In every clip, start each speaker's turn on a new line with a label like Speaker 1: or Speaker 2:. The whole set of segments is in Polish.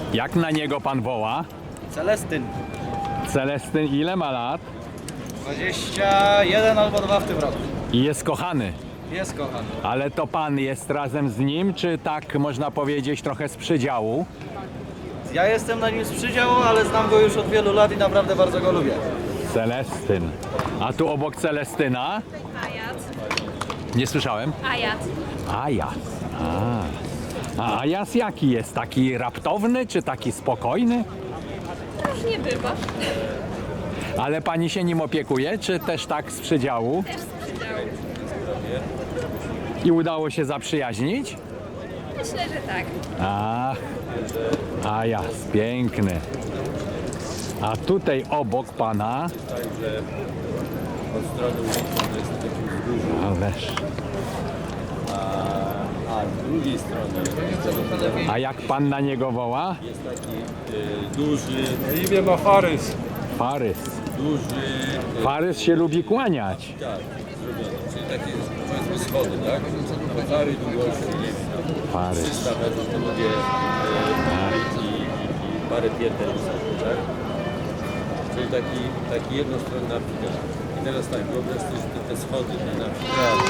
Speaker 1: Jak na niego pan woła?
Speaker 2: Celestyn.
Speaker 1: Celestyn ile ma lat?
Speaker 2: 21 albo 2 w tym roku.
Speaker 1: I jest kochany.
Speaker 2: Jest kochany.
Speaker 1: Ale to pan jest razem z nim, czy tak można powiedzieć trochę z przydziału?
Speaker 2: Ja jestem na nim z przydziału, ale znam go już od wielu lat i naprawdę bardzo go lubię.
Speaker 1: Celestyn. A tu obok Celestyna?
Speaker 3: Ajat.
Speaker 1: Nie słyszałem.
Speaker 3: Ajat.
Speaker 1: Ajas. A Ajas jaki jest? Taki raptowny, czy taki spokojny?
Speaker 3: Różnie bywa.
Speaker 1: Ale pani się nim opiekuje, czy też tak z przydziału?
Speaker 3: Też z przydziału.
Speaker 1: I udało się zaprzyjaźnić?
Speaker 3: Myślę, że tak.
Speaker 1: Ach, Ajas, piękny. A tutaj obok pana...
Speaker 4: Od strony ulicy to jest taki wzgórze,
Speaker 1: Ależ.
Speaker 4: a z drugiej strony
Speaker 1: A jak pan na niego woła?
Speaker 4: jest taki duży,
Speaker 5: Imię ma Farys.
Speaker 1: Farys.
Speaker 4: duży,
Speaker 1: Farys się lubi kłaniać.
Speaker 4: tak, zrobiony, czyli takie powiedzmy schody, tak? Całej długości, nie wiem,
Speaker 1: Farys.
Speaker 4: 300 metrów to lubię i parę pięter wysoko, tak? Czyli taki jednostronny amfiteatr. I teraz tak, wyobraź sobie, że te schody, ten amfiteatr,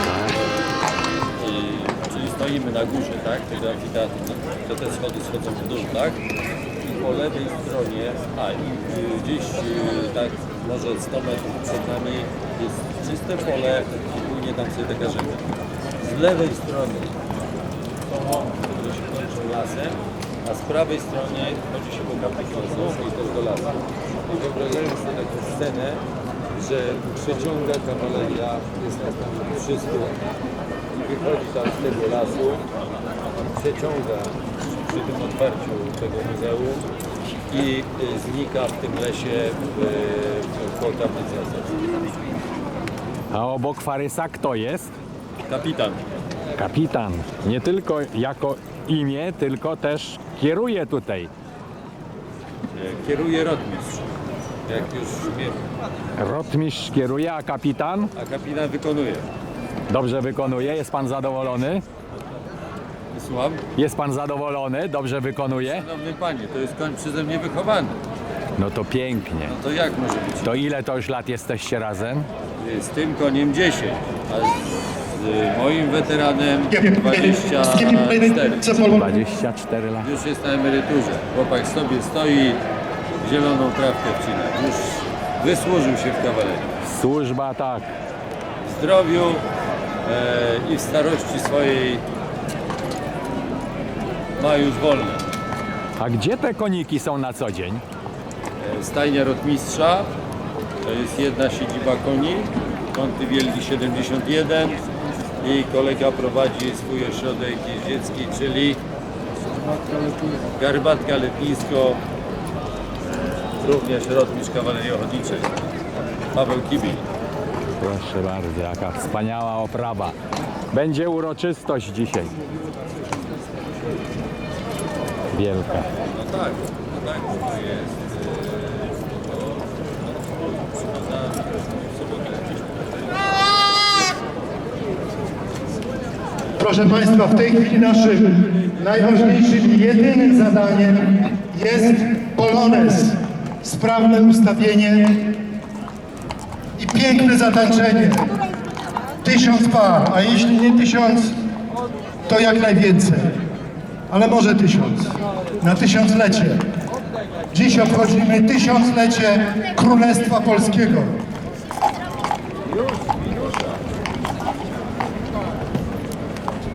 Speaker 4: czyli stoimy na górze, tak, tego amfiteatru, to te schody schodzą w dół, tak? I po lewej stronie, gdzieś tak może 100 metrów przed nami jest czyste pole i płynie tam sobie taka rzeka. Z lewej strony są łąki, które się kończą lasem, a z prawej strony chodzi się po kapach lasu i też do lasu. I wyobrażając sobie taką scenę, że przeciąga kawaleria, jest nas tam 300 i wychodzi tam z tego lasu, przeciąga przy tym otwarciu tego muzeum i znika w tym lesie koło tablicy Azowskiej.
Speaker 1: A obok Farysa kto jest?
Speaker 4: Kapitan.
Speaker 1: Kapitan. Nie tylko jako imię, tylko też kieruje tutaj.
Speaker 4: Kieruje rotmistrz, jak już wiemy,
Speaker 1: Rotmistrz kieruje, a kapitan
Speaker 4: a kapitan wykonuje.
Speaker 1: dobrze wykonuje. Jest pan zadowolony?
Speaker 4: Słucham?
Speaker 1: Jest pan zadowolony? Dobrze wykonuje?
Speaker 4: Szanowny panie, to jest koń przeze mnie wychowany.
Speaker 1: No to pięknie.
Speaker 4: No to jak może być?
Speaker 1: To ile to już lat jesteście razem?
Speaker 4: Z tym koniem 10, a z moim weteranem 24.
Speaker 1: 24 lat.
Speaker 4: Już jest na emeryturze. Chłopak sobie stoi, zieloną trawkę wcina. Już wysłużył się w kawalerii.
Speaker 1: Służba tak.
Speaker 4: W zdrowiu i w starości swojej ma już wolne.
Speaker 1: A gdzie te koniki są na co dzień?
Speaker 4: Stajnia rotmistrza, to jest jedna siedziba koni, Kąty Wielki 71 i kolega prowadzi swój ośrodek jeździecki, czyli Garbatka Letnisko, również rotmistrz kawalerii ochotniczej, Paweł Kibil.
Speaker 1: Proszę bardzo, jaka wspaniała oprawa. Będzie uroczystość dzisiaj. Wielka.
Speaker 4: No tak, to jest.
Speaker 6: Proszę Państwa, w tej chwili naszym najważniejszym i jedynym zadaniem jest polonez, sprawne ustawienie i piękne zatańczenie. 1000 par, a jeśli nie 1000, to jak najwięcej, ale może 1000, na 1000-lecie. Dziś obchodzimy 1000-lecie Królestwa Polskiego.